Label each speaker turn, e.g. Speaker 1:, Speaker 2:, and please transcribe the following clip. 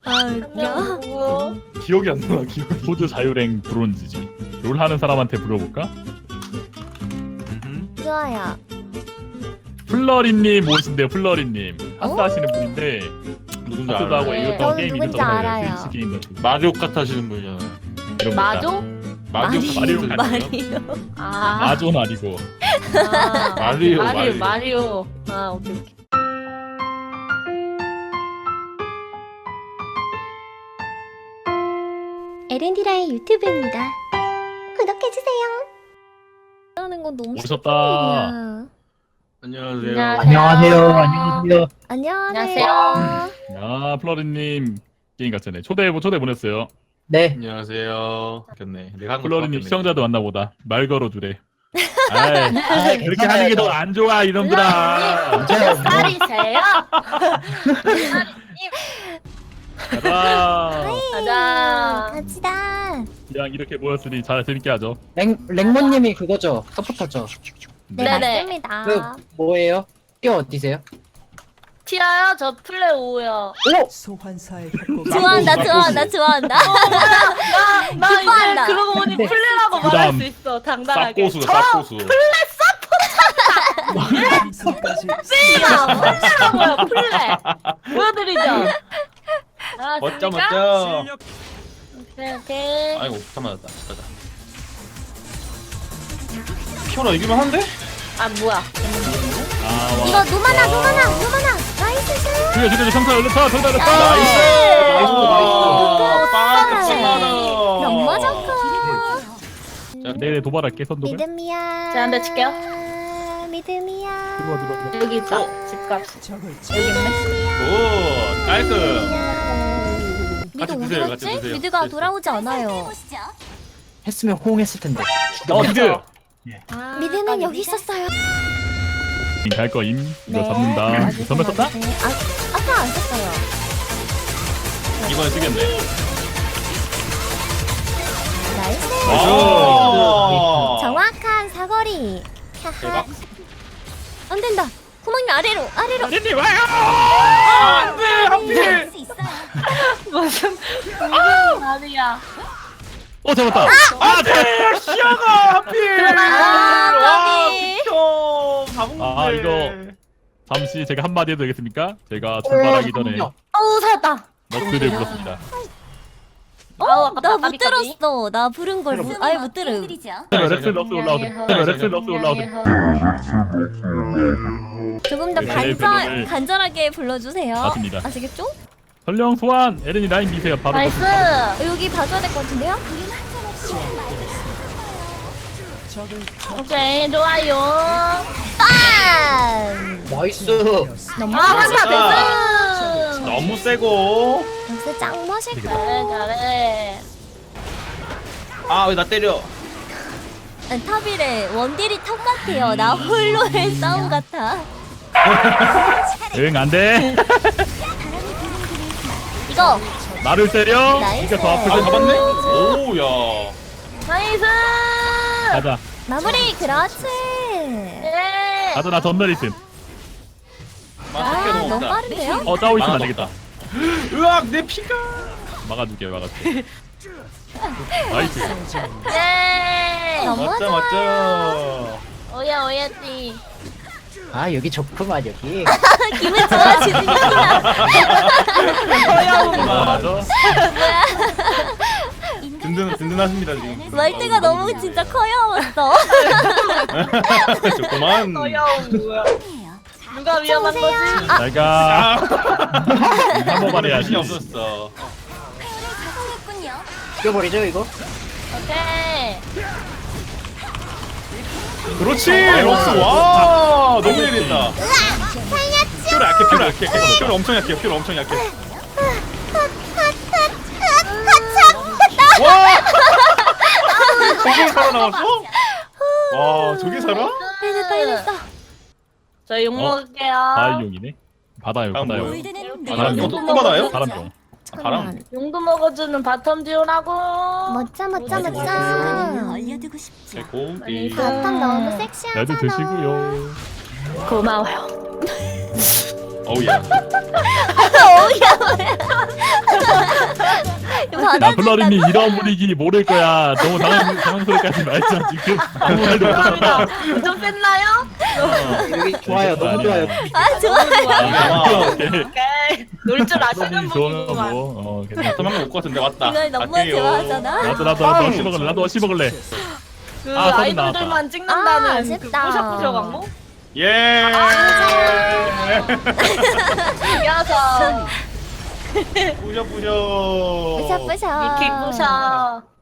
Speaker 1: 아 웃겨.
Speaker 2: 기억이 안 나. 기억이.
Speaker 3: 호주 자유랭 브론즈지. 롤 하는 사람한테 물어볼까?
Speaker 1: 좋아요.
Speaker 3: 플러리님 오신대요. 플러리님 하스 하시는 분인데
Speaker 2: 누군지
Speaker 3: 하스도 하고
Speaker 2: 알아요.
Speaker 3: 이것도
Speaker 1: 저는
Speaker 3: 게임
Speaker 1: 누군지
Speaker 3: 이것도
Speaker 1: 알아요.
Speaker 3: 스위치 게임
Speaker 2: 마리오 카트 하시는 분이잖아요.
Speaker 3: 이런 거
Speaker 4: 마조?
Speaker 3: 마리오
Speaker 1: 마리오.
Speaker 4: 아,
Speaker 3: 마조는 아니고
Speaker 4: 마리오. 아, 오케이.
Speaker 1: 에렌디라의 유튜브입니다. 구독해주세요. 하는 건 너무
Speaker 3: 오셨다.
Speaker 1: 슬픈
Speaker 2: 안녕하세요.
Speaker 5: 안녕하세요. 안녕하세요.
Speaker 1: 일이야. 안녕하세요.
Speaker 3: 야 플러리님 게임 같잖아요. 초대 보냈어요.
Speaker 5: 네.
Speaker 2: 안녕하세요. 바뀌었네. 내가 한
Speaker 3: 플러리님 시청자도 왔나보다. 말 걸어주래. 아이, 그렇게 하는 게 더 안 좋아 이놈들아.
Speaker 5: 괜찮아요.
Speaker 4: 쌀이세요?
Speaker 3: 가자.
Speaker 4: 가자.
Speaker 1: 갑시다.
Speaker 3: 그냥 이렇게 모였으니 잘 재밌게 하죠.
Speaker 5: 랭모님이 그거죠? 서포터죠?
Speaker 1: 네,
Speaker 4: 네네.
Speaker 1: 맞습니다.
Speaker 5: 그 뭐예요? 띠어 어디세요?
Speaker 4: 티아요? 저 플레 오요.
Speaker 5: 오!
Speaker 6: 소환사의
Speaker 1: 좋아한다.
Speaker 4: 나
Speaker 1: 기뻐한다.
Speaker 4: 이제 그러고 보니
Speaker 5: 네.
Speaker 4: 플레라고 말할
Speaker 3: 그다음
Speaker 4: 수 있어. 당당하게.
Speaker 2: 쌉고수, 쌉고수.
Speaker 6: 생성까지
Speaker 4: 플레야. 플레라고요. 플레. 보여드리죠. 아,
Speaker 2: 멋져,
Speaker 4: 그러니까?
Speaker 2: 멋져.
Speaker 4: 오케이.
Speaker 2: 아이고, 다 맞았다. 가자. 피오라 이기면 한데?
Speaker 4: 아, 뭐야.
Speaker 3: 아,
Speaker 1: 이거 누마나. 나이스 샷.
Speaker 3: 죽여 청사 열렸다. 정답 열렸다.
Speaker 2: 나이스!
Speaker 1: 오,
Speaker 2: 빵!
Speaker 1: 너무 좋고.
Speaker 3: 내일 도발할게 선독을.
Speaker 1: 믿음이야.
Speaker 4: 제가 한대 칠게요.
Speaker 1: 믿음이야.
Speaker 3: 들어와.
Speaker 4: 여기 있다. 집값.
Speaker 6: 적을
Speaker 4: 여기 있네.
Speaker 2: 오, 깔끔.
Speaker 1: 미드
Speaker 2: 같이
Speaker 1: 어디
Speaker 2: 드세요, 같이
Speaker 1: 갔지?
Speaker 2: 드세요.
Speaker 1: 미드가
Speaker 2: 네.
Speaker 1: 돌아오지 않아요.
Speaker 5: 했으면 호응했을 텐데.
Speaker 3: 미드.
Speaker 4: 아,
Speaker 1: 미드는 여기 있었어요.
Speaker 3: 갈 거임. 이거
Speaker 1: 네.
Speaker 3: 잡는다.
Speaker 1: 아주
Speaker 3: 선물 썼다?
Speaker 1: 고맙네. 아까 안 썼어요.
Speaker 2: 이번에 쓰겠네.
Speaker 1: 나이스.
Speaker 2: 오!
Speaker 1: 정확한 사거리. 하하.
Speaker 2: 대박.
Speaker 1: 안 된다. 구멍이 아래로.
Speaker 3: 아린님 와요.
Speaker 2: 안돼, 하필.
Speaker 4: 무슨 말이야.
Speaker 3: 잡았다.
Speaker 2: 안돼, 시야가 하필.
Speaker 1: 아,
Speaker 2: 와,
Speaker 1: 까비.
Speaker 2: 비켜. 바본데.
Speaker 3: 아, 이거. 잠시 제가 한마디 해도 되겠습니까? 제가 출발하기 전에
Speaker 4: 어우, 살았다.
Speaker 3: 너트를 불렀습니다.
Speaker 4: 아우, 아깝다.
Speaker 1: 나 못
Speaker 4: 까비, 까비.
Speaker 1: 들었어. 나 부른 걸 아예 못 들음.
Speaker 3: 렉스 럭스 올라오세요. 렉스 럭스 올라오세요.
Speaker 1: 조금 더
Speaker 3: 네, 네.
Speaker 1: 간절하게 불러주세요.
Speaker 3: 맞습니다.
Speaker 1: 아시겠죠?
Speaker 3: 전령 소환. 에렌이 라인 미세요. 바로.
Speaker 4: 나이스.
Speaker 1: 여기 봐줘야 될 것 같은데요?
Speaker 6: 적을
Speaker 4: 오케이, 좋아요.
Speaker 1: 빵!
Speaker 5: 나이스.
Speaker 1: 너무
Speaker 4: 아,
Speaker 1: 멋있다.
Speaker 4: 한다,
Speaker 2: 너무 세고.
Speaker 1: 역시 짱 멋있다.
Speaker 4: 잘해.
Speaker 2: 아, 왜 나 때려?
Speaker 1: 탑이래. 원딜이 탑 같아요. 나 홀로의 싸움 같아.
Speaker 3: 응, 안 돼.
Speaker 1: 이거
Speaker 3: 나를 때려.
Speaker 1: 나이스.
Speaker 3: 이게 더 아플
Speaker 2: 아,
Speaker 3: 텐데.
Speaker 2: 잡았네? 오, 야.
Speaker 4: 나이스.
Speaker 3: 가자.
Speaker 1: 마무리. 그렇지.
Speaker 4: 예.
Speaker 3: 가자, 나 전멸 있음.
Speaker 2: 맛있게
Speaker 1: 너무
Speaker 2: 먹었다.
Speaker 1: 빠른데요?
Speaker 3: 싸우고 있으면 안 되겠다.
Speaker 2: 으악, 내 피가.
Speaker 3: 막아줄게. 나이스.
Speaker 4: 예.
Speaker 1: 너무
Speaker 2: 맞죠,
Speaker 1: 좋아.
Speaker 2: 맞죠.
Speaker 4: 오야, 오야지.
Speaker 5: 아 여기 좋구만 여기.
Speaker 1: 기분 좋아지는구나.
Speaker 3: 맞아.
Speaker 2: 든든하십니다, 지금.
Speaker 1: 말대가 너무 진짜 커여웠어.
Speaker 2: 좋구만.
Speaker 4: 어려운 뭐야? 누가 위험한 거지?
Speaker 3: 내가 한번만 해야지.
Speaker 2: 힘이 없었어.
Speaker 5: 죽여버리죠 이거?
Speaker 4: 오케이.
Speaker 2: 그렇지, 럭스. 와, 너무 예리했다. 퓨를 약해. 퓨를 엄청 약해. 와! 저게 살아남았어? 와, 저게 살아?
Speaker 1: 해냈다.
Speaker 4: 저 욕 먹을게요.
Speaker 3: 바이용이네. 바다용.
Speaker 2: 다음
Speaker 3: 바다용.
Speaker 2: 뭐예요?
Speaker 3: 바람용.
Speaker 2: 또 받아요?
Speaker 3: 바람용.
Speaker 2: 바람.
Speaker 4: 용도 먹어주는 바텀 듀오라고.
Speaker 1: 멋져.
Speaker 2: 고기.
Speaker 1: 바텀 너무
Speaker 3: 나도
Speaker 1: 섹시하잖아.
Speaker 3: 드시고요.
Speaker 4: 고마워요.
Speaker 2: 어우야.
Speaker 1: 어우야.
Speaker 3: 야 플러린이 이런 분위기 모를 거야. 너무 당황스럽게까지 말자 지금. 아무 말도 못한다.
Speaker 4: 좀 뺐나요?
Speaker 5: 여기 좋아요. 너무 좋아요.
Speaker 1: 아 좋아.
Speaker 4: 오케이. 놀 줄 아시는
Speaker 3: 플러린이 좋으면
Speaker 4: 분이구만.
Speaker 3: 뭐. 괜찮아.
Speaker 2: 도망가 올것 같은데 왔다.
Speaker 1: 이걸 너무
Speaker 2: 갈게요.
Speaker 1: 좋아하잖아.
Speaker 3: 나도 어시 먹을래. 나도 어시 먹을래.
Speaker 4: 그
Speaker 3: 아, 서른
Speaker 4: 아이돌들만
Speaker 3: 나왔다.
Speaker 4: 찍는다는
Speaker 1: 아,
Speaker 4: 그
Speaker 1: 아쉽다.
Speaker 4: 뿌셔뿌셔 광고?
Speaker 2: 예.
Speaker 4: 이겨서
Speaker 2: 부셔 부셔.
Speaker 1: 뿌셔뿌셔.
Speaker 4: 이킥 뿌셔.